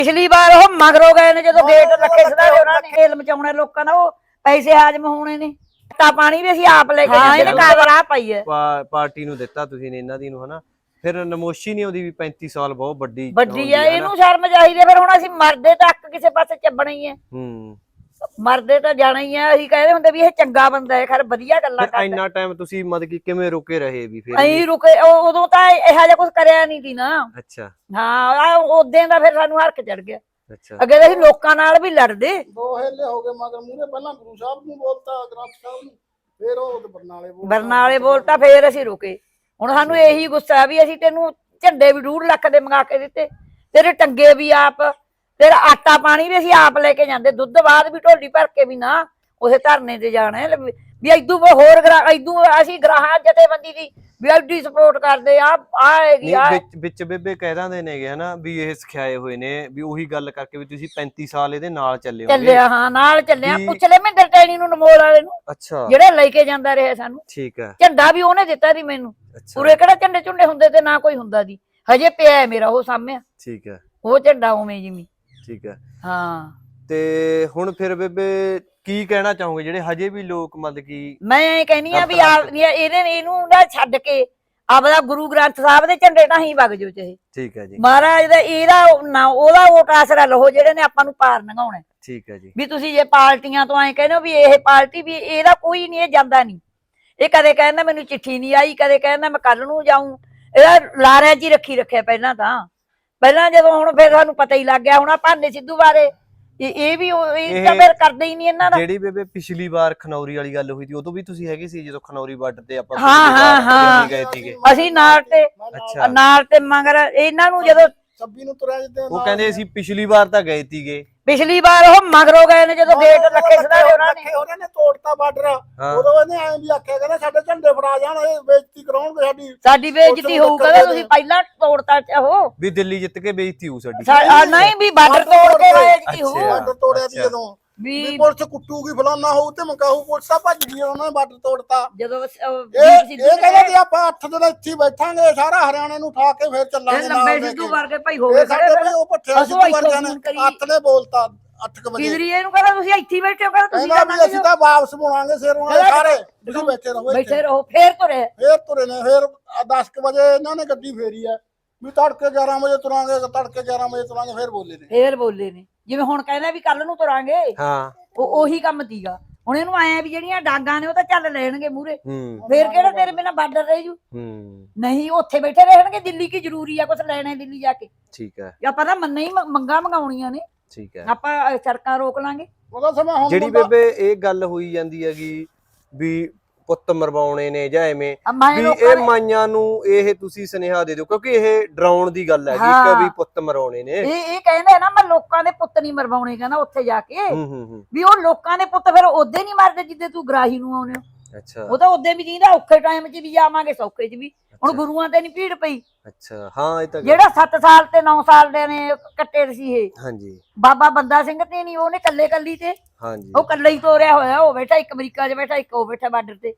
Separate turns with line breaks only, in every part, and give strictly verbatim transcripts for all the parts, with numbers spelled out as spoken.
ਪਿਛਲੀ ਵਾਰ ਉਹ ਮਗਰੋਂ ਗਏ ਨੇ ਜਦੋਂ ਗੇਟ ਲੱਗੇ ਸਦਾ ਉਹਨਾਂ ਨੇ ਖੇਲ ਮਚਾਉਣੇ ਲੋਕਾਂ ਦਾ ਉਹ ਪੈਸੇ ਹਾਜ਼ਮ ਹੋਣੇ ਨੇ ਤਾਂ ਪਾਣੀ ਵੀ ਅਸੀਂ ਆਪ ਲੈ ਕੇ ਜਾਂਦੇ ਕਾਗਰ ਆ ਪਈ ਹੈ
ਪਾਰਟੀ ਨੂੰ ਦਿੱਤਾ ਤੁਸੀਂ ਨੇ ਇਹਨਾਂ ਦੀ ਨੂੰ ਹਨਾ ਫਿਰ ਨਮੋਸ਼ੀ ਨਹੀਂ ਆਉਂਦੀ ਵੀ ਪੈਂਤੀ ਸਾਲ ਬਹੁਤ ਵੱਡੀ
ਵੱਡੀ ਆ ਇਹਨੂੰ ਸ਼ਰਮ ਚਾਹੀਦੀ ਫਿਰ ਹੁਣ ਅਸੀਂ ਮਰਦੇ ਤੱਕ ਕਿਸੇ ਪਾਸੇ ਚੱਬਣਾ ਹੀ ਹੈ
ਹੂੰ ਮਰਦੇ
ਤਾਂ ਜਾਣਾ ਹੀ ਆ ਅਸੀਂ ਕਹਿੰਦੇ ਹੁੰਦੇ ਵੀ ਇਹ ਚੰਗਾ ਬੰਦਾ ਹੈ ਖਰ ਵਧੀਆ ਗੱਲਾਂ ਕਰਦਾ
ਇੰਨਾ ਟਾਈਮ ਤੁਸੀਂ ਮਤਲਬ ਕਿ ਕਿਵੇਂ ਰੁਕੇ ਰਹੇ ਵੀ ਫਿਰ
ਅਸੀਂ ਰੁਕੇ ਉਦੋਂ ਤਾਂ ਇਹੋ ਜਿਹਾ ਕੁਝ ਕਰਿਆ ਨਹੀਂ ਸੀ ਨਾ
ਅੱਛਾ
ਹਾਂ ਉਦੋਂ ਦਾ ਫਿਰ ਸਾਨੂੰ ਹਰਕ ਚੜ ਗਿਆ
ਅੱਛਾ
ਅੱਗੇ ਅਸੀਂ ਲੋਕਾਂ ਨਾਲ ਵੀ ਲੜਦੇ
ਦੋ ਹੇਲੇ ਹੋ ਗਏ ਮਗਰ ਮੂਰੇ ਪਹਿਲਾਂ ਗੁਰੂ ਸਾਹਿਬ ਨੂੰ ਬੋਲਤਾ ਗ੍ਰੰਥ ਸਾਹਿਬ ਨੂੰ ਫਿਰ ਉਹ ਬਰਨਾਲੇ ਬੋਲਤਾ
ਬਰਨਾਲੇ ਬੋਲਤਾ ਫਿਰ ਅਸੀਂ ਰੁਕੇ ਹੁਣ ਸਾਨੂੰ ਇਹੀ ਗੁੱਸਾ ਵੀ ਅਸੀਂ ਤੈਨੂੰ ਝੰਡੇ ਵੀ ਡੂਢ ਲੱਖ ਦੇ ਮੰਗਾ ਕੇ ਦਿੱਤੇ ਤੇਰੇ ਟੰਗੇ ਵੀ ਆਪ ਤੇਰਾ ਆਟਾ ਪਾਣੀ ਵੀ ਅਸੀਂ ਆਪ ਲੈ ਕੇ ਜਾਂਦੇ ਦੁੱਧ ਬਾਅਦ ਵੀ ਢੋਲੀ ਭਰ ਕੇ ਵੀ ਨਾ ਉਸੇ ਧਰਨੇ ਤੇ ਜਾਣਾ ਵੀ ਏਦੂ ਹੋਰ ਏਦੂ ਅਸੀਂ ਗ੍ਰਾਹਾਂ ਜਥੇਬੰਦੀ ਦੀ ਵੀ ਐਡੀ ਸਪੋਰਟ ਕਰਦੇ ਆ ਆਏਗੀ ਆ
ਵਿੱਚ ਬੇਬੇ ਕਹਿ ਦਿੰਦੇ ਨੇਗੇ ਹਨਾ ਵੀ ਇਹ ਸਿਖਾਏ ਹੋਏ ਨੇ ਵੀ ਉਹੀ ਗੱਲ ਕਰਕੇ ਵੀ ਤੁਸੀਂ ਪੈਂਤੀ ਸਾਲ ਇਹਦੇ ਨਾਲ ਚੱਲੇ ਹੋ
ਚੱਲਿਆ ਹਾਂ ਨਾਲ ਚੱਲਿਆ ਪੁੱਛ ਲੈ ਮਹਿੰਦਰ ਟੈਣੀ ਨੂੰ ਨਮੋਲ ਵਾਲੇ ਨੂੰ
ਅੱਛਾ
ਜਿਹੜੇ ਲੈ ਕੇ ਜਾਂਦਾ ਰਿਹਾ ਸਾਨੂੰ
ਠੀਕ ਹੈ
ਝੰਡਾ ਵੀ ਉਹਨੇ ਦਿੱਤਾ ਸੀ ਮੈਨੂੰ ਪੂਰੇ ਕਿਹੜਾ ਝੰਡੇ ਝੁੰਡੇ ਹੁੰਦੇ ਤੇ ਨਾ ਕੋਈ ਹੁੰਦਾ ਦੀ ਹਜੇ ਪਿਆ ਮੇਰਾ ਉਹ ਸਾਹਮਣੇ ਠੀਕ ਹੈ ਉਹ ਝੰਡਾ ਉਵੇਂ ਜਿਵੇਂ ਠੀਕ ਹੈ ਹਾਂ ਤੇ ਹੁਣ ਫਿਰ ਬੇਬੇ ਕੀ ਕਹਿਣਾ ਚਾਹੋਗੇ ਜਿਹੜੇ ਹਜੇ ਵੀ ਲੋਕ ਮਤਲਬ ਕਿ ਮੈਂ ਇਹ ਕਹਿੰਨੀ ਆ ਵੀ ਇਹਦੇ ਇਹਨੂੰ ਨਾ ਛੱਡ ਕੇ ਆਪਦਾ ਗੁਰੂ ਗ੍ਰੰਥ ਸਾਹਿਬ ਦੇ ਝੰਡੇ ਤਾਂ ਹੀ ਵਗ ਜੋ ਚਾਹੇ ਠੀਕ ਹੈ ਜੀ ਮਹਾਰਾਜ ਦਾ ਇਹਦਾ ਨਾ ਉਹਦਾ ਵੋਟ ਆਸਰਾ ਲਹੋ ਜਿਹੜੇ ਨੇ ਆਪਾਂ ਨੂੰ ਪਾਰ ਲੰਘਾਉਣਾ ਠੀਕ ਹੈ ਜੀ ਵੀ ਤੁਸੀਂ ਜੇ ਪਾਰਟੀਆਂ ਤੋਂ ਐ ਕਹਿੰਦੇ ਹੋ ਵੀ ਇਹ ਪਾਰਟੀ ਵੀ ਇਹਦਾ ਕੋਈ ਨਹੀਂ ਇਹ ਜਾਂਦਾ ਨਹੀਂ ਇਹ ਕਦੇ ਕਹਿੰਦਾ ਮੈਨੂੰ ਚਿੱਠੀ ਨਹੀਂ ਆਈ ਕਦੇ ਕਹਿੰਦਾ ਮੈਂ ਕੱਲ ਨੂੰ ਜਾਊਂ ਇਹਦਾ ਲਾਰਿਆਂ 'ਚ ਹੀ ਰੱਖੀ ਰੱਖਿਆ ਪਹਿਲਾਂ ਤਾਂ ਪਹਿਲਾਂ ਜਦੋਂ ਹੁਣ ਫਿਰ ਸਾਨੂੰ ਪਤਾ ਹੀ ਲੱਗ ਗਿਆ ਹੁਣ ਆ ਭਾਨੇ ਸਿੱਧੂ ਬਾਰੇ ਇਹ ਵੀ ਇਹ ਤਾਂ ਫਿਰ ਕਰਦੇ ਹੀ ਨਹੀਂ ਇਹਨਾਂ ਦਾ ਜਿਹੜੀ ਬੇਬੇ ਪਿਛਲੀ ਵਾਰ ਖਨੌਰੀ ਵਾਲੀ ਗੱਲ ਹੋਈ ਸੀ ਉਦੋਂ ਵੀ ਤੁਸੀਂ ਹੈਗੇ ਸੀ ਜਦੋਂ ਖਨੌਰੀ ਬਾਰਡਰ ਤੇ ਆਪਾਂ ਹਾਂ ਹਾਂ ਹਾਂ ਗਏ ਸੀਗੇ ਅਸੀਂ ਨਾਲ ਤੇ ਅੱਛਾ ਨਾਲ ਤੇ ਮਗਰ ਇਹਨਾਂ ਨੂੰ ਜਦੋਂ
ਛੱਬੀ ਨੂੰ ਤੁਰਿਆ ਜਿੱਦੇ
ਉਹ ਕਹਿੰਦੇ ਅਸੀਂ ਪਿਛਲੀ ਵਾਰ ਤਾਂ ਗਏ ਸੀਗੇ
ਪਿਛਲੀ ਵਾਰ ਉਹ ਮਗਰੋਂ ਗਏ ਨੇ ਜਦੋਂ ਗੇਟ ਲੱਗੇ ਸਦਾ ਉਹਨਾਂ ਨੇ
ਉਹਨਾਂ ਨੇ ਤੋੜਤਾ ਬਾਰਡਰ ਉਦੋਂ ਇਹਨੇ ਐਂ ਵੀ ਆਖਿਆ ਕਹਿੰਦਾ ਸਾਡੇ ਝੰਡੇ ਫੜਾ ਜਾਣ ਇਹ ਬੇਇੱਜ਼ਤੀ ਕਰਾਉਣਗੇ ਸਾਡੀ
ਸਾਡੀ ਬੇਇੱਜ਼ਤੀ ਹੋਊ ਕਹਿੰਦਾ ਤੁਸੀਂ ਪਹਿਲਾਂ ਤੋੜਤਾ ਉਹ
ਵੀ ਦਿੱਲੀ ਜਿੱਤ ਕੇ ਬੇਇੱਜ਼ਤੀ ਹੋਊ ਸਾਡੀ
ਨਹੀਂ ਵੀ ਬਾਰਡਰ ਤੋੜ ਕੇ ਬੇਇੱਜ਼ਤੀ ਹੋਊ
ਬਾਰਡਰ ਤੋੜਿਆ ਸੀ ਜਦੋਂ ਵੀ ਪੁਲਿਸ ਕੁੱਟੂਗੀ ਫਲਾਨਾ ਹੋਊ ਤੇ ਮਕਾਹੂ ਪੁਲਿਸ ਆ ਭੱਜ ਗਈ ਉਹਨਾਂ ਨੇ ਬਾਰਡਰ ਤੋੜਤਾ ਜਦੋਂ ਇਹ ਕਹਿੰਦੇ ਕਿ ਆਪਾਂ ਅੱਠ ਦਿਨ ਇੱਥੇ ਬੈਠਾਂਗੇ ਸਾਰਾ ਹਰਿਆਣੇ ਨੂੰ ਉਠਾ ਕੇ ਫੇਰ ਚੱਲਾਂਗੇ
ਲੰਬੇ ਸਿੱਧੂ ਵਰਗੇ ਭਾਈ ਹੋ ਗਏ
ਸਾਡੇ ਭਾਈ ਉਹ ਪੱਠੇ ਸਿੱਧੂ ਵਰਗੇ ਨੇ ਅੱਠ ਨੇ ਬੋਲਤਾ ਅੱਠ ਵਜੇ
ਕਿਦਰੀਏ ਨੂੰ ਕਹਿੰਦਾ ਤੁਸੀਂ ਇੱਥੇ ਬੈਠੇ ਹੋ ਕਹਿੰਦਾ ਤੁਸੀਂ
ਕਹਿੰਦਾ ਅਸੀਂ ਤਾਂ ਵਾਪਸ ਮੁੜਾਂਗੇ ਸਿਰ ਉਹਨਾਂ ਦੇ ਸਾਰੇ ਤੁਸੀਂ ਬੈਠੇ ਰਹੋ
ਬੈਠੇ ਰਹੋ ਫੇਰ ਤੁਰੇ
ਫੇਰ ਤੁਰੇ ਨੇ ਫੇਰ ਦਸ ਵਜੇ ਇਹਨਾਂ ਨੇ ਗੱਡੀ ਫੇਰੀ ਆ ਵੀ ਤੜਕੇ ਗਿਆਰਾਂ ਵਜੇ ਤੁਰਾਂਗੇ ਤੜਕੇ ਗਿਆਰਾਂ ਵਜੇ ਤੁਰਾਂਗੇ ਫੇਰ ਬੋਲੇ ਨੇ ਫੇਰ ਬੋਲੇ ਨੇ ਜਿਵੇਂ ਹੁਣ ਕਹਿੰਦਾ ਵੀ ਕੱਲ ਨੂੰ ਤੁਰਾਂਗੇ ਹਾਂ ਉਹ ਉਹੀ ਕੰਮ ਤੀਗਾ ਹੁਣ ਇਹਨੂੰ ਆਇਆ ਵੀ ਜਿਹੜੀਆਂ ਡਾਂਗਾਂ ਨੇ ਉਹ ਤਾਂ ਚੱਲ ਲੈਣਗੇ ਮੂਰੇ ਫੇਰ ਕਿਹੜਾ ਤੇਰੇ ਬਿਨਾ ਬਾਰਡਰ ਰਹਿ ਜੂ ਨਹੀਂ ਉੱਥੇ ਬੈਠੇ ਰਹਿਣਗੇ ਦਿੱਲੀ ਕੀ ਜ਼ਰੂਰੀ ਆ ਕੁਛ ਲੈਣਾ ਦਿੱਲੀ ਜਾ ਕੇ ਠੀਕ ਹੈ ਆਪਾਂ ਤਾਂ ਮੰਨੇ ਹੀ ਮੰਗਾ ਮੰਗਾਉਣੀਆਂ ਨੇ ਠੀਕ ਹੈ ਆਪਾਂ ਸੜਕਾਂ ਰੋਕ ਲਾਂਗੇ ਉਹਦਾ ਸਮਾਂ ਹੁਣ ਜਿਹੜੀ ਬੇਬੇ ਇਹ ਗੱਲ ਹੋਈ ਜਾਂਦੀ ਹੈਗੀ ਵੀ ਪੁੱਤ ਮਰਵਾਉਣੇ ਨੇ ਜਾਂ ਐਵੇਂ ਵੀ ਇਹ ਮਾਈਆਂ ਨੂੰ ਇਹ ਤੁਸੀਂ ਸੁਨੇਹਾ ਦੇ ਦਿਓ ਕਿਉਂਕਿ ਇਹ ਡਰਾਉਣ ਦੀ ਗੱਲ ਹੈ ਜੀ ਕਿ ਵੀ ਪੁੱਤ ਮਰਵਾਉਣੇ ਨੇ ਇਹ ਇਹ ਕਹਿੰਦੇ ਨਾ ਮੈਂ ਲੋਕਾਂ ਦੇ ਪੁੱਤ ਨਹੀਂ ਮਰਵਾਉਣੇ ਕਹਿੰਦਾ ਉੱਥੇ ਜਾ ਕੇ ਵੀ ਉਹ ਲੋਕਾਂ ਦੇ ਪੁੱਤ ਫਿਰ ਉਹਦੇ ਨਹੀਂ ਮਰਦੇ ਜਿੱਦੇ ਤੂੰ ਗਰਾਹੀ ਨੂੰ ਆਉਣੇ ਹੋ ਅੱਛਾ ਉਹ ਤਾਂ ਉਹਦੇ ਵੀ ਜੀਂਦਾ ਔਖੇ ਟਾਈਮ 'ਚ ਵੀ ਜਾਵਾਂਗੇ ਸੌਖੇ 'ਚ ਵੀ ਹੁਣ ਗੁਰੂਆਂ ਤੇ ਨਹੀਂ ਭੀੜ ਪਈ ਅੱਛਾ ਹਾਂ ਇਹ ਤਾਂ ਜਿਹੜਾ ਸੱਤ ਸਾਲ ਤੇ ਨੌ ਸਾਲ ਦੇ ਨੇ ਕੱਟੇ ਸੀ ਇਹ ਹਾਂਜੀ ਬਾਬਾ ਬੰਦਾ ਸਿੰਘ ਤੇ ਨਹੀਂ ਉਹਨੇ ਕੱਲੇ ਕੱਲੀ ਤੇ ਹਾਂਜੀ ਉਹ ਕੱਲੇ ਹੀ ਤੋਰਿਆ ਹੋਇਆ ਉਹ ਬੈਠਾ ਇੱਕ ਅਮਰੀਕਾ 'ਚ ਬੈਠਾ ਇੱਕ ਉਹ ਬੈਠਾ ਬਾਰਡਰ ਤੇ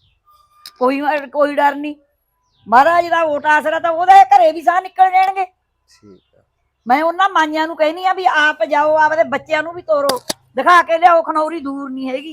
ਕੋਈ ਕੋਈ ਡਰ ਨਹੀਂ ਮਹਾਰਾਜ ਦਾ ਵੋਟ ਆਸਰਾ ਤਾਂ ਉਹਦੇ ਘਰੇ ਵੀ ਸਾਹ ਨਿਕਲ ਜਾਣਗੇ ਠੀਕ ਆ ਮੈਂ ਉਹਨਾਂ ਮਾਈਆਂ ਨੂੰ ਕਹਿਨੀ ਆ ਵੀ ਆਪ ਜਾਓ ਆਪਦੇ ਬੱਚਿਆਂ ਨੂੰ ਵੀ ਤੋਰੋ ਦਿਖਾ ਕੇ ਲਿਆਓ ਖਨੌਰੀ ਦੂਰ ਨਹੀਂ ਹੈਗੀ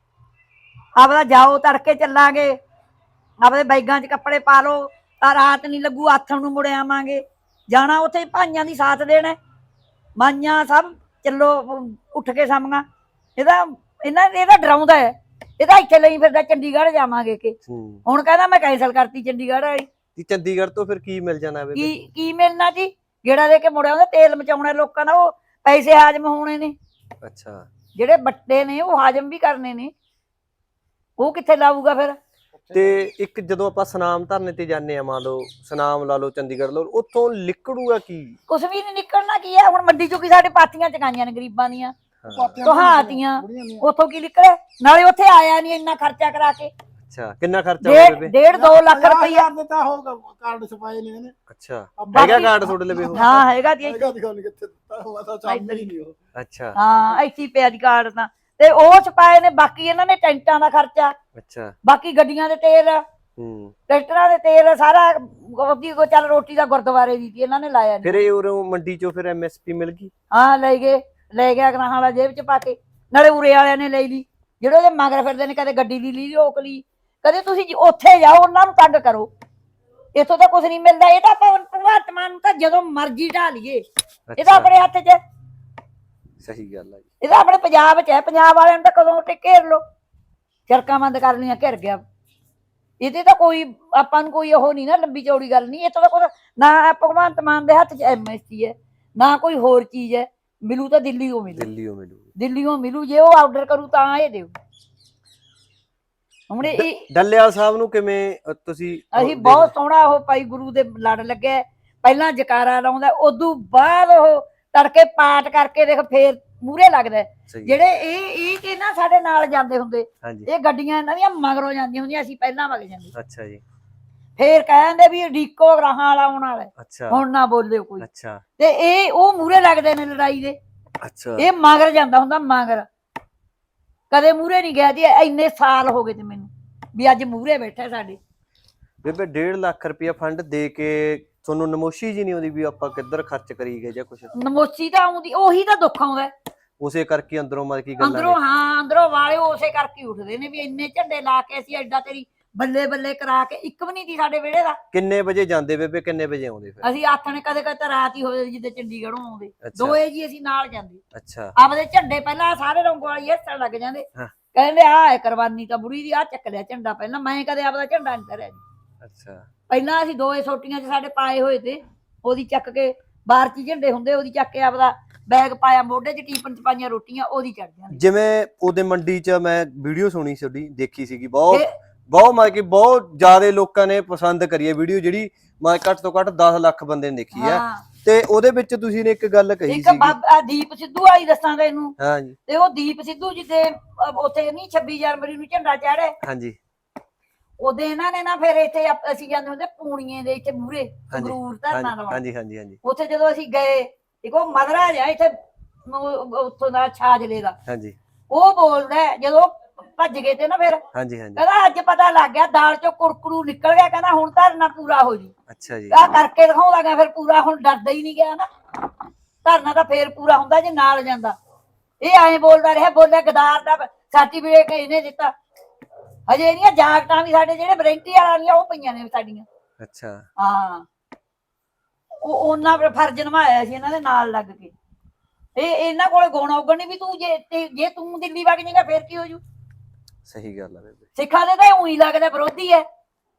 ਆਪਦਾ ਜਾਓ ਤੜਕੇ ਚੱਲਾਂਗੇ ਆਪਦੇ ਬੈਗਾਂ 'ਚ ਕੱਪੜੇ ਪਾ ਲਓ ਤਾਂ ਰਾਤ ਨਹੀਂ ਲੱਗੂ ਆਥਣ ਨੂੰ ਮੁੜ ਆਵਾਂਗੇ ਜਾਣਾ ਉੱਥੇ ਭਾਈਆਂ ਦੀ ਸਾਥ ਦੇਣਾ ਮਾਈਆਂ ਸਭ ਚੱਲੋ ਉੱਠ ਕੇ ਸਾਹਮਣਾ ਇਹਦਾ ਇਹਨਾਂ ਇਹਦਾ ਡਰਾਉਂਦਾ ਹੈ ਇਹਦਾ ਇੱਥੇ ਲਈ ਫਿਰਦਾ ਚੰਡੀਗੜ੍ਹ ਜਾਵਾਂਗੇ ਕਿ ਹੁਣ ਕਹਿੰਦਾ ਮੈਂ ਕੈਂਸਲ ਕਰਤੀ ਚੰਡੀਗੜ੍ਹ ਵਾਲੀ ਚੰਡੀਗੜ੍ਹ ਤੋਂ ਫਿਰ ਕੀ ਮਿਲ ਜਾਣਾ ਕੀ ਕੀ ਮਿਲਣਾ ਜੀ ਗੇੜਾ ਦੇ ਕੇ ਮੁੜਿਆ ਉਹਦਾ ਤੇਲ ਮਚਾਉਣਾ ਲੋਕਾਂ ਦਾ ਉਹ ਪੈਸੇ ਹਾਜ਼ਮ ਹੋਣੇ ਨੇ ਅੱਛਾ ਜਿਹੜੇ ਬੱਟੇ ਨੇ ਉਹ ਹਾਜ਼ਮ ਵੀ ਕਰਨੇ ਨੇ ਉਹ ਕਿੱਥੇ ਲਾਊਗਾ ਫਿਰ ਤੇ ਇੱਕ ਜਦੋਂ ਆਪਾਂ ਸਨਾਮ ਧਰਨੇ ਤੇ ਜਾਂਦੇ ਆ ਮੰਨ ਲਓ ਸਨਾਮ ਲਾ ਲਓ ਚੰਡੀਗੜ੍ਹ ਲਾ ਲਓ ਉੱਥੋਂ ਨਿਕਲੂਗਾ ਕੀ ਕੁਛ ਵੀ ਨਹੀਂ ਨਿਕਲਣਾ ਕੀ ਹੈ ਹੁਣ ਮੰਡੀ ਚੋਂ ਕੀ ਸਾਡੇ ਪਾਥੀਆਂ ਚਕਾਈਆਂ ਨੇ ਗਰੀਬਾਂ ਦੀਆਂ ਤੁਹਾਤੀਆਂ ਉੱਥੋਂ ਕੀ ਨਿਕਲੇ ਨਾਲੇ ਉੱਥੇ ਆਇਆ ਨਹੀਂ ਇੰਨਾ ਖਰਚਾ ਕਰਾ ਕੇ ਅੱਛਾ ਕਿੰਨਾ ਖਰਚਾ ਹੋਇਆ ਬੇਬੇ ਡੇਢ ਦੋ ਲੱਖ ਰੁਪਈਆ ਦਿੱਤਾ ਹੋ ਕਾਰਡ ਛਪਾਏ ਨੇ ਇਹਨੇ ਅੱਛਾ ਹੈਗਾ ਕਾਰਡ ਤੁਹਾਡੇ ਲਵੇ ਹਾਂ ਹੈਗਾ ਜੀ ਹੈਗਾ ਦਿਖਾਉਣੀ ਕਿੱਥੇ ਦਿੱਤਾ ਤਾਂ ਚੱਲਦਾ ਹੀ ਨਹੀਂ ਉਹ ਅੱਛਾ ਹਾਂ ਇੱਥੇ ਪਿਆ ਜੀ ਕਾਰਡ ਤਾਂ ਤੇ ਉਹ ਛਪਾਏ ਨੇ ਬਾਕੀ ਇਹਨਾਂ ਨੇ ਟੈਂਟਾਂ ਦਾ ਖਰਚਾ ਅੱਛਾ ਬਾਕੀ ਗੱਡੀਆਂ ਦੇ ਤੇਲ
ਟਰੈਕਟਰਾਂ ਦੇ ਤੇਲ ਸਾਰਾ ਉਹਦੀ ਕੋ ਚੱਲ ਰੋਟੀ ਦਾ ਗੁਰਦੁਆਰੇ ਦੀ ਸੀ ਇਹਨਾਂ ਨੇ ਲਾਇਆ ਨੀ।
ਫਿਰ ਇਹ ਉਰੋਂ ਮੰਡੀ ਚੋਂ ਫਿਰ ਐਮਐਸਪੀ ਮਿਲ ਗਈ?
ਹਾਂ ਲੈ ਗਏ, ਲੈ ਗਿਆ ਗਰਾਹਾਂ ਵਾਲਾ ਜੇਬ ਚ ਪਾ ਕੇ, ਨਾਲੇ ਉਰੇ ਵਾਲਿਆਂ ਨੇ ਲੈ ਲਈ ਜਿਹੜੇ ਉਹਦੇ ਮਗਰ ਫਿਰਦੇ ਨੇ, ਕਦੇ ਗੱਡੀ ਦੀ ਲਈ ਰੋਕ ਲਈ, ਕਦੇ ਤੁਸੀਂ ਜੀ ਉੱਥੇ ਜਾਓ ਉਹਨਾਂ ਨੂੰ ਤੰਗ ਕਰੋ, ਇੱਥੋਂ ਤਾਂ ਕੁਛ ਨਹੀਂ ਮਿਲਦਾ। ਇਹ ਤਾਂ ਆਪਾਂ ਭਗਵੰਤ ਮਾਨ ਨੂੰ ਤਾਂ ਜਦੋਂ ਮਰਜ਼ੀ ਢਾ ਲਈਏ, ਇਹ ਤਾਂ ਆਪਣੇ ਹੱਥ 'ਚ।
ਸਹੀ ਗੱਲ ਹੈ,
ਇਹ ਤਾਂ ਆਪਣੇ ਪੰਜਾਬ 'ਚ ਹੈ, ਪੰਜਾਬ ਵਾਲਿਆਂ ਨੂੰ ਤਾਂ ਕਦੋਂ ਤੇ ਘੇਰ ਲੋ, ਸੜਕਾਂ ਬੰਦ ਕਰ ਲਈਆਂ, ਘਿਰ ਗਿਆ। ਇਹਦੇ ਤਾਂ ਕੋਈ ਆਪਾਂ ਨੂੰ ਕੋਈ ਉਹ ਨਹੀਂ ਨਾ, ਲੰਬੀ ਚੌੜੀ ਗੱਲ ਨਹੀਂ। ਇੱਥੋਂ ਦਾ ਕੁਛ ਨਾ ਭਗਵੰਤ ਮਾਨ ਦੇ ਹੱਥ 'ਚ ਐਮਐਸਪੀ ਹੈ, ਨਾ ਕੋਈ ਹੋਰ ਚੀਜ਼ ਹੈ। ਮਿਲੂ ਤਾਂ ਦਿੱਲੀੋਂ ਮਿਲੂ,
ਦਿੱਲੀੋਂ ਮਿਲੂ,
ਦਿੱਲੀੋਂ ਮਿਲੂ। ਜੇ ਉਹ ਆਰਡਰ ਕਰੂ ਤਾਂ ਇਹ ਦਿਓ। ਹੁਣ ਇਹ
ਡੱਲੇਵਾਲ ਸਾਹਿਬ ਨੂੰ ਕਿਵੇਂ ਤੁਸੀਂ?
ਅਸੀਂ ਬਹੁਤ ਸੋਹਣਾ ਉਹ ਭਾਈ ਗੁਰੂ ਦੇ ਲੜ ਲੱਗਿਆ, ਪਹਿਲਾਂ ਜਕਾਰਾ ਲਾਉਂਦਾ, ਉਦੋਂ ਬਾਅਦ ਉਹ ਤੜਕੇ ਪਾਠ ਕਰਕੇ ਦੇਖ ਫੇਰ ਮੂਹਰੇ ਲੱਗਦਾ। ਜਿਹੜੇ ਇਹ ਇਹ ਕਿ ਨਾ ਸਾਡੇ ਨਾਲ ਜਾਂਦੇ ਹੁੰਦੇ, ਇਹ ਗੱਡੀਆਂ ਇਹਨਾਂ ਦੀਆਂ ਮਗਰੋਂ ਜਾਂਦੀਆਂ ਹੁੰਦੀਆਂ, ਅਸੀਂ ਪਹਿਲਾਂ ਵਗ ਜਾਂਦੇ।
ਅੱਛਾ ਜੀ।
ਫੇਰ ਕਹਿੰਦੇ ਵੀ ਡੀਕੋ ਗਰਾਹਾਂ ਵਾਲਾ ਆਉਣ ਵਾਲਾ,
ਅੱਛਾ
ਹੁਣ ਨਾ ਬੋਲਿਓ ਕੋਈ।
ਅੱਛਾ।
ਤੇ ਇਹ ਉਹ ਮੂਹਰੇ ਲੱਗਦੇ ਨੇ ਲੜਾਈ ਦੇ।
ਅੱਛਾ।
ਇਹ ਮਗਰ ਜਾਂਦਾ ਹੁੰਦਾ, ਮਗਰ ਕਦੇ ਮੂਹਰੇ ਨਹੀਂ ਗਿਆ ਜੀ। ਇੰਨੇ ਸਾਲ ਹੋ ਗਏ ਤੇ ਮੈਨੂੰ ਵੀ ਅੱਜ ਮੂਹਰੇ ਬੈਠਾ ਸਾਡੇ।
ਬੇਬੇ ਡੇਢ ਲੱਖ ਰੁਪਇਆ ਫੰਡ ਦੇ ਕੇ ਤੁਹਾਨੂੰ ਨਮੋਸ਼ੀ ਜੀ ਨਹੀਂ ਆਉਂਦੀ ਵੀ ਆਪਾਂ ਕਿੱਧਰ ਖਰਚ ਕਰੀ ਗਏ ਜਾਂ ਕੁਛ?
ਨਮੋਸ਼ੀ ਤਾਂ ਆਉਂਦੀ, ਉਹੀ ਤਾਂ ਦੁੱਖ ਆਉਂਦਾ
ਉਸੇ ਕਰਕੇ ਅੰਦਰੋਂ ਮਤਲਬ ਕੀ ਗੱਲਾਂ
ਅੰਦਰੋਂ। ਹਾਂ ਅੰਦਰੋਂ ਵਾਲੇ ਉਸੇ ਕਰਕੇ ਉੱਠਦੇ ਨੇ ਵੀ ਇੰਨੇ ਝੰਡੇ ਲਾ ਕੇ ਅਸੀਂ ਐਡਾ ਤੇਰੀ ਬੱਲੇ ਬੱਲੇ ਕਰਾ ਕੇ, ਇੱਕ ਵੀ ਨਹੀਂ ਦੀ ਸਾਡੇ ਵਿਹੜੇ ਦਾ।
ਕਿੰਨੇ ਵਜੇ ਜਾਂਦੇ ਬੇਬੇ, ਕਿੰਨੇ ਵਜੇ ਆਉਂਦੇ ਫਿਰ?
ਅਸੀਂ ਆਥਣੇ ਕਦੇ ਕਦੇ ਤਾਂ ਰਾਤ ਹੀ ਹੋ ਜਾਂਦੀ ਜਿੱਦੇ ਚੰਡੀਗੜ੍ਹੋਂ ਆਉਂਦੇ, ਦੋਏ ਜੀ ਅਸੀਂ ਨਾਲ ਜਾਂਦੇ।
ਅੱਛਾ।
ਆਪਦੇ ਝੰਡੇ ਪਹਿਲਾਂ ਸਾਰੇ ਰੰਗ ਵਾਲੀ ਹੱਸਣ ਲੱਗ ਜਾਂਦੇ, ਕਹਿੰਦੇ ਆਹ ਕੁਰਬਾਨੀ ਤਾਂ ਬੁੜੀ ਦੀ, ਆਹ ਚੱਕ ਲਿਆ ਝੰਡਾ ਪਹਿਲਾਂ। ਮੈਂ ਕਦੇ ਆਪਦਾ ਝੰਡਾ ਨਹੀਂ ਧਰਿਆ ਜੀ।
ਅੱਛਾ।
ਪਹਿਲਾਂ ਅਸੀਂ ਦੋਏ ਸੋਟੀਆਂ 'ਚ ਸਾਡੇ ਪਾਏ ਹੋਏ ਤੇ, ਉਹਦੀ ਚੱਕ ਕੇ ਬਾਹਰ 'ਚ ਝੰਡੇ ਹੁੰਦੇ, ਉਹਦੀ ਚੱਕ ਕੇ ਆਪਦਾ ਬੈਗ ਪਾਇਆ ਮੋਢੇ 'ਚ, ਟੀਪਨ 'ਚ ਪਾਈਆਂ ਰੋਟੀਆਂ, ਉਹਦੀ ਚੜ ਜਾਂਦੀ।
ਜਿਵੇਂ ਉਹਦੇ ਮੰਡੀ 'ਚ ਮੈਂ ਵੀਡੀਓ ਸੁਣੀ ਤੁਹਾਡੀ, ਦੇਖੀ ਸੀਗੀ, ਬਹੁਤ ਬਹੁਤ ਮਤਲਬ ਕਿ ਬਹੁਤ ਜ਼ਿਆਦਾ ਲੋਕਾਂ ਨੇ ਪਸੰਦ ਕਰੀ ਹੈ ਵੀਡੀਓ, ਜਿਹੜੀ ਮੈਂ ਘੱਟ ਤੋਂ ਘੱਟ ਦਸ ਲੱਖ ਬੰਦੇ ਨੇ ਦੇਖੀ ਹੈ। ਤੇ ਉਹਦੇ ਵਿੱਚ ਤੁਸੀਂ ਨੇ ਇੱਕ ਗੱਲ ਕਹੀ ਸੀ,
ਇੱਕ ਬਾਬਾ ਦੀਪ ਸਿੱਧੂ ਆਈ ਦੱਸਾਂ ਤੈਨੂੰ।
ਹਾਂਜੀ।
ਤੇ ਉਹ ਦੀਪ ਸਿੱਧੂ ਜਿੱਦੇ ਉੱਥੇ ਨਹੀਂ ਛੱਬੀ ਜਨਵਰੀ ਨੂੰ ਝੰਡਾ ਚਾੜੇ, ਹਾਂਜੀ, ਉਹਦੇ ਇਹਨਾਂ ਨੇ ਨਾ ਫਿਰ ਇੱਥੇ ਅਸੀਂ ਜਾਂਦੇ ਹੁੰਦੇ ਪੂਣੀਏ ਦੇ ਇੱਥੇ ਮੂਹਰੇ ਸੰਗਰੂਰ ਧਰਨਾ ਲਵਾਉਣ। ਹਾਂਜੀ ਹਾਂਜੀ ਹਾਂਜੀ। ਉੱਥੇ ਜਦੋਂ ਅਸੀਂ ਗਏ, ਇੱਕ ਉਹ ਮਦਰਾ ਜਿਹਾ ਇੱਥੇ ਉੱਥੋਂ ਦਾ ਛਾਜਲੇ ਦਾ, ਹਾਂਜੀ, ਉਹ ਬੋਲਦਾ ਜਦੋਂ ਭੱਜ ਗਏ ਤੇ ਨਾ ਫਿਰ, ਹਾਂਜੀ ਹਾਂਜੀ, ਕਹਿੰਦਾ ਅੱਜ ਪਤਾ ਲੱਗ ਗਿਆ ਦਾਲ ਚੋਂ ਕੁਰਕਰੂ ਨਿਕਲ ਗਿਆ, ਕਹਿੰਦਾ ਹੁਣ ਧਰਨਾ ਪੂਰਾ ਹੋ ਜੂ। ਅੱਛਾ ਜੀ। ਆ ਕਰਕੇ ਦਿਖਾਉਂਦਾ ਗਿਆ ਫਿਰ ਪੂਰਾ, ਹੁਣ ਡਰਦਾ ਹੀ ਨਹੀਂ ਗਿਆ ਨਾ, ਧਰਨਾ ਤਾਂ ਫੇਰ ਪੂਰਾ ਹੁੰਦਾ ਜੇ ਨਾਲ ਜਾਂਦਾ। ਇਹ ਐਂ ਬੋਲਦਾ ਰਿਹਾ, ਬੋਲਿਆ ਗਦਾਰ ਦਾ ਸਰਟੀਫਿਕੇਟ ਇਹਨੇ ਦਿੱਤਾ। ਹਜੇ ਇਹਦੀਆਂ ਜਾਕਟਾਂ ਵੀ ਸਾਡੇ ਜਿਹੜੇ ਵਾਰੰਟੀ ਵਾਲੀਆਂ ਉਹ ਪਈਆਂ ਨੇ ਸਾਡੀਆਂ। ਅੱਛਾ। ਹਾਂ, ਉਹ ਉਹਨਾਂ ਫਰਜ਼ ਨਿਭਾਇਆ ਸੀ ਇਹਨਾਂ ਦੇ ਨਾਲ ਲੱਗ ਕੇ। ਇਹ ਇਹਨਾਂ ਕੋਲੇ ਗੁਣ ਔਗਣ ਨਹੀਂ ਵੀ ਤੂੰ ਜੇ ਜੇ ਤੂੰ ਦਿੱਲੀ ਵਗ ਜਾਏਗਾ ਫੇਰ ਕੀ ਹੋ ਜੂ। ਸਹੀ ਗੱਲ ਹੈ ਬੇਬੇ। ਸਿੱਖਾਂ ਦੇ ਤਾਂ ਉਹੀ ਲੱਗਦਾ ਵਿਰੋਧੀ ਹੈ,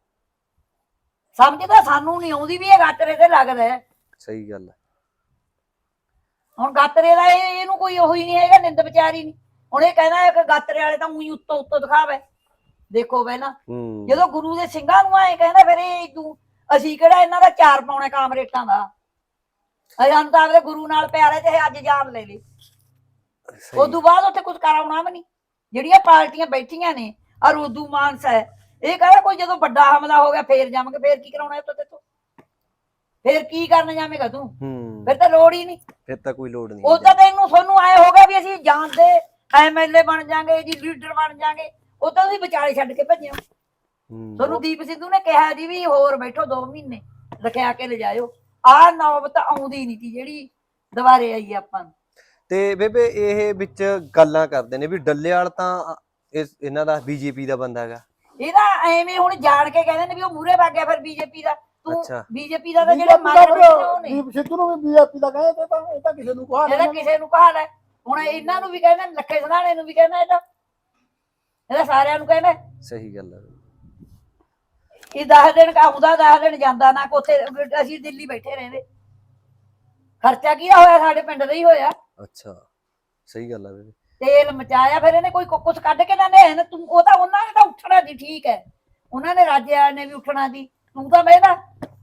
ਸਮਝਦਾ ਸਾਨੂੰ ਨਹੀਂ ਆਉਂਦੀ ਵੀ ਇਹ ਗਾਤਰੇ ਤੇ ਲੱਗਦਾ ਹੈ। ਸਹੀ ਗੱਲ ਹੈ। ਹੁਣ ਗਾਤਰੇ ਦਾ ਇਹਨੂੰ ਕੋਈ ਉਹੀ ਨਹੀਂ ਹੈਗਾ, ਨਿੰਦ ਵਿਚਾਰੀ ਨਹੀਂ। ਹੁਣ ਇਹ ਕਹਿੰਦਾ ਇੱਕ ਗਾਤਰੇ ਵਾਲੇ ਤਾਂ ਉਹੀ ਉੱਤੋਂ ਉੱਤੋਂ ਦਿਖਾਵੇ। ਦੇਖੋ ਪਹਿਲਾਂ ਜਦੋਂ ਗੁਰੂ ਦੇ ਸਿੰਘਾਂ ਨੂੰ ਆਏ ਕਹਿੰਦਾ, ਫਿਰ ਇਹ ਤੂੰ ਅਸੀਂ ਕਿਹੜਾ ਇਹਨਾਂ ਦਾ ਚਾਰ ਪਾਉਣੇ ਕਾਮਰੇਟਾਂ ਦਾ, ਸਾਨੂੰ ਤਾਂ ਆਪਦੇ ਗੁਰੂ ਨਾਲ ਪਿਆਰ ਹੈ, ਚਾਹੇ ਅੱਜ ਜਾਨ ਲੈ ਲਈ। ਉਦੋਂ ਬਾਅਦ ਉੱਥੇ ਕੁਝ ਕਰਾਉਣਾ ਵੀ ਨਹੀਂ। ਜਿਹੜੀਆਂ ਪਾਰਟੀਆਂ ਬੈਠੀਆਂ ਨੇ ਔਰ ਉਦੋਂ ਮਾਨਸ ਹੈ, ਇਹ ਕਹਿੰਦਾ ਕੋਈ ਜਦੋਂ ਵੱਡਾ ਹਮਲਾ ਹੋ ਗਿਆ ਫੇਰ ਜਾਵਾਂਗੇ, ਫੇਰ ਕੀ ਕਰਾਉਣਾ ਉੱਥੇ ਤੇ ਤੂੰ, ਫੇਰ ਕੀ ਕਰਨ ਜਾਵੇਂਗਾ ਤੂੰ, ਫਿਰ ਤਾਂ ਲੋੜ ਹੀ ਨਹੀਂ, ਫਿਰ ਤਾਂ ਕੋਈ ਲੋੜ ਨਹੀਂ। ਉਹ ਤਾਂ ਤੈਨੂੰ ਤੁਹਾਨੂੰ ਆਏ ਹੋ ਗਿਆ ਵੀ ਅਸੀਂ ਜਾਣਦੇ ਐਮਐਲਏ ਬਣ ਜਾਾਂਗੇ ਜੀ, ਲੀਡਰ ਬਣ ਜਾਾਂਗੇ, ਉਹ ਤਾਂ ਤੁਸੀਂ ਵਿਚਾਲੇ ਛੱਡ ਕੇ ਭੱਜਿਓ। ਤੁਹਾਨੂੰ ਦੀਪ ਸਿੱਧੂ ਨੇ ਕਿਹਾ ਜੀ ਵੀ ਹੋਰ ਬੈਠੋ ਦੋ ਮਹੀਨੇ ਰਖਿਆ ਕੇ ਲਿਜਾਇਓ। ਆਹ ਨੌਬਤ ਆਉਂਦੀ ਨਹੀਂ ਸੀ ਜਿਹੜੀ ਦੁਬਾਰੇ ਆਈ ਆਪਾਂ ਨੂੰ। ਤੇ ਬੇਬੇ ਇਹ ਵਿੱਚ ਗੱਲਾਂ ਕਰਦੇ ਨੇ ਵੀ ਡੱਲੇਵਾਲ ਤਾਂ ਇਹਨਾਂ ਦਾ ਬੀਜੇਪੀ ਦਾ ਬੰਦਾ ਹੈਗਾ। ਇਹਦਾ ਐਵੇਂ ਹੁਣ ਜਾਣ ਕੇ ਕਹਿੰਦੇ ਨੇ ਵੀ ਉਹ ਮੂਹਰੇ ਵਗ ਗਿਆ ਫਿਰ ਬੀਜੇਪੀ ਦਾ। ਤੂੰ ਬੀਜੇਪੀ ਦਾ ਤਾਂ ਜਿਹੜੇ
ਦੀਪ ਸਿੱਧੂ ਨੂੰ ਵੀ ਬੀਜੇਪੀ ਦਾ ਕਹਿੰਦੇ ਤਾਂ ਇਹ ਤਾਂ ਕਿਸੇ ਨੂੰ ਕਹਾ ਲੈ,
ਇਹਦਾ ਕਿਸੇ ਨੂੰ ਕਹਾ ਲੈ। ਹੁਣ ਇਹਨਾਂ ਨੂੰ ਵੀ ਕਹਿੰਦੇ, ਲੱਖੇ ਸਧਾਣੇ ਨੂੰ ਵੀ ਕਹਿੰਦਾ, ਇਹਦਾ ਇਹਦਾ ਸਾਰਿਆਂ ਨੂੰ ਕਹਿੰਦਾ। ਸਹੀ ਗੱਲ ਹੈ। ਇਹ ਦਸ ਦਿਨ ਆਉਂਦਾ, ਦਸ ਦਿਨ ਜਾਂਦਾ ਨਾ। ਉੱਥੇ ਅਸੀਂ ਦਿੱਲੀ ਬੈਠੇ ਰਹਿੰਦੇ, ਖਰਚਾ ਕੀ ਹੋਇਆ ਸਾਡੇ ਪਿੰਡ ਦਾ ਹੀ ਹੋਇਆ। ਅੱਛਾ, ਸਹੀ ਗੱਲ ਹੈ ਬੇਬੇ। ਤੇਲ ਮਚਾਇਆ ਫਿਰ ਇਹਨੇ, ਕੋਈ ਕੁਛ ਕੱਢ ਕੇ ਨਾ ਲਿਆ ਤੂੰ। ਉਹ ਤਾਂ ਉਹਨਾਂ ਨੇ ਤਾਂ ਉੱਠਣਾ ਦੀ, ਠੀਕ ਹੈ, ਉਹਨਾਂ ਨੇ ਰਾਜੇ ਨੇ ਵੀ ਉੱਠਣਾ ਦੀ, ਤੂੰ ਤਾਂ ਬਹਿਦਾ,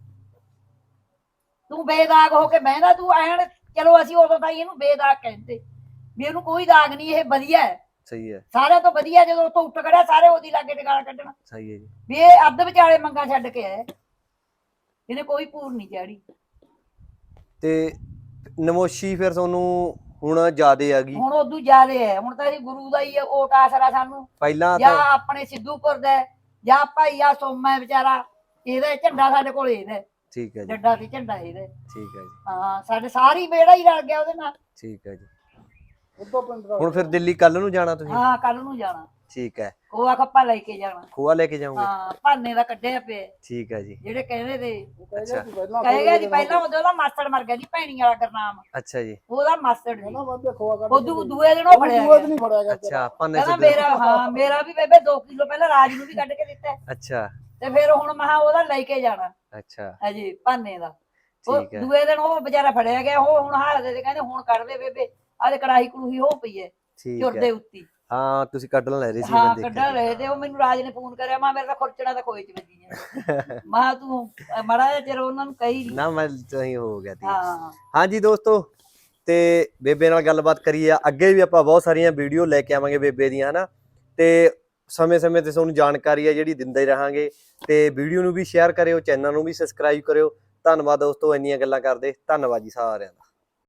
ਤੂੰ ਬੇਦਾਗ ਹੋ ਕੇ ਬਹਿਦਾ ਤੂੰ ਐਨ। ਚਲੋ ਅਸੀਂ ਉਦੋਂ ਤਾਂ ਇਹਨੂੰ ਬੇਦਾਗ ਕਹਿੰਦੇ ਵੀ ਇਹਨੂੰ ਕੋਈ ਦਾਗ ਨਹੀਂ, ਇਹ ਵਧੀਆ ਹੈ। ਸਹੀ ਹੈ, ਸਾਰਿਆਂ ਤੋਂ ਵਧੀਆ। ਜਦੋਂ ਉੱਥੋਂ ਉੱਠ ਖੜਿਆ ਸਾਰੇ ਉਹਦੀ ਲਾਗੇ ਟਿਕਾਣਾ ਕੱਢਣਾ। ਸਹੀ ਹੈ ਜੀ। ਵੀ ਇਹ ਅੱਧ ਵਿਚਾਲੇ ਮੰਗਾ ਛੱਡ ਕੇ ਆਇਆ, ਇਹਨੇ ਕੋਈ ਪੂਰ ਨਹੀਂ ਚਾੜੀ। ਤੇ ਨਮੋਸ਼ੀ ਫਿਰ ਤੁਹਾਨੂੰ ਹੁਣ ਜ਼ਿਆਦੇ ਆ ਗਈ, ਹੁਣ ਉਦੋਂ ਜ਼ਿਆਦੇ ਹੈ। ਹੁਣ ਤਾਂ ਅਸੀਂ ਗੁਰੂ ਦਾ ਹੀ ਓਟ ਆਸਰਾ ਸਾਨੂੰ ਪਹਿਲਾਂ, ਜਾਂ ਆਪਣੇ ਸਿੱਧੂਪੁਰ ਦਾ ਜਾਂ ਭਾਈ ਆ ਸੋਮਾ ਵਿਚਾਰਾ ਇਹਦਾ ਝੰਡਾ ਸਾਡੇ ਕੋਲ ਇਹਦਾ
ਠੀਕ ਹੈ ਜੀ
ਡੱਡਾ ਤੇ ਝੰਡਾ ਇਹਦਾ
ਠੀਕ ਹੈ ਜੀ
ਹਾਂ ਸਾਡੇ ਸਾਰੀ ਬੇੜਾ ਹੀ ਰਲ ਗਿਆ ਉਹਦੇ ਨਾਲ
ਠੀਕ ਹੈ ਜੀ
ਉਦੋਂ ਪਿੰਡ ਦਾ
ਹੁਣ ਫਿਰ ਦਿੱਲੀ ਕੱਲ ਨੂੰ ਜਾਣਾ ਤੁਸੀਂ
ਹਾਂ ਕੱਲ ਨੂੰ ਜਾਣਾ
ਠੀਕ ਹੈ
ਖੋਆ ਖੱਪਾ ਲੈ ਕੇ ਜਾਣਾ
ਖੋਆ ਲੈ ਕੇ ਜਾਓਗੇ
ਹਾਂ ਭਾਨੇ ਦਾ ਕੱਢਿਆ ਪਿਆ
ਠੀਕ ਹੈ ਜੀ
ਜਿਹੜੇ ਕਹਿੰਦੇ ਤੇ
ਅੱਛਾ
ਕਹੇਗਾ ਜੀ ਪਹਿਲਾਂ ਉਹਦਾ ਮਾਸਟਰ ਮਰ ਗਿਆ ਜੀ ਭੈਣੀ ਵਾਲਾ ਗਰਨਾਮ
ਅੱਛਾ ਜੀ
ਉਹਦਾ ਮਾਸਟਰ ਜੀ
ਨਾ ਬੰਦੇ ਖੋਆ ਕਰ
ਉਹ ਦੂ- ਦੂਏ ਦਿਨ ਉਹ ਫੜਿਆ
ਦੂਏ
ਗਿਆ
ਦਿਨ ਹੀ ਫੜਿਆ ਗਿਆ
ਅੱਛਾ ਭਾਨੇ
ਕਹਿੰਦਾ
ਸੇ
ਮੇਰਾ ਹਾਂ ਮੇਰਾ ਵੀ ਬੇਬੇ ਦੋ ਕਿਲੋ ਪਹਿਲਾਂ ਰਾਜ ਨੂੰ ਵੀ ਕੱਢ ਕੇ ਦਿੱਤਾ ਹੈ।
ਅੱਛਾ
ਤੇ ਫਿਰ ਹੁਣ ਮਹਾ ਉਹਦਾ ਲੈ ਕੇ ਜਾਣਾ
ਅੱਛਾ
ਅਜੇ ਭਾਨੇ ਦਾ ਉਹ
ਠੀਕ ਹੈ
ਦੂਏ ਦਿਨ ਉਹ ਵਿਚਾਰਾ ਫੜਿਆ ਗਿਆ ਉਹ ਹੁਣ ਹਾਲਦੇ ਤੇ ਕਹਿੰਦੇ ਹੁਣ ਕੱਢ ਦੇ ਬੇਬੇ ਆਹ ਕੜਾਹੀ ਕੜੂਹੀ ਹੋ ਪਈ ਹੈ
ਠੀਕ
ਚੁਰ
ਹੈ
ਦੇ ਉੱਤੀ
ਹਾਂ ਤੁਸੀਂ ਕੱਢਣ ਲੈ ਰਹੇ ਸੀ
ਹਾਂ
ਮੈਂ
ਕੱਢ
ਦੇਖਿਆ
ਰਹੇ ਤੇ ਉਹ ਮੈਨੂੰ ਰਾਜ ਨੇ ਫੋਨ ਕਰਿਆ ਮਾ ਮੇਰਾ ਤਾਂ ਖੁਰਚਣਾ ਤਾਂ ਖੋਏ ਚ ਵੱਜੀ ਜਾਂਦਾ ਮਾ ਤੂੰ ਮੜਾ ਜਿਹਾ ਚਿਰ ਉਹਨਾਂ ਨੂੰ ਕਹੀ ਨੀ।
ਨਾ ਮੈਂ ਸਹੀ ਹੋ ਗਿਆ ਤੀ
ਹਾਂ
ਹਾਂਜੀ ਦੋਸਤੋ ਤੇ ਬੇਬੇ ਨਾਲ ਗੱਲਬਾਤ ਕਰੀ ਆ ਅੱਗੇ ਵੀ ਆਪਾਂ ਬਹੁਤ ਸਾਰੀਆਂ ਵੀਡੀਓ ਲੈ ਕੇ ਆਵਾਂਗੇ ਬੇਬੇ ਦੀਆਂ ਹਨਾ ਤੇ ਸਮੇਂ-ਸਮੇਂ ਤੇ ਤੁਹਾਨੂੰ ਜਾਣਕਾਰੀ ਆ ਜਿਹੜੀ ਦਿੰਦੇ ਰਹਾਂਗੇ ਤੇ ਵੀਡੀਓ ਨੂੰ ਵੀ ਸ਼ੇਅਰ ਕਰਿਓ ਚੈਨਲ ਨੂੰ ਵੀ ਸਬਸਕ੍ਰਾਈਬ ਕਰਿਓ ਧੰਨਵਾਦ ਦੋਸਤੋ ਇੰਨੀਆਂ ਗੱਲਾਂ ਕਰਦੇ ਧੰਨਵਾਦ ਜੀ ਸਾਰਿਆਂ ਦਾ।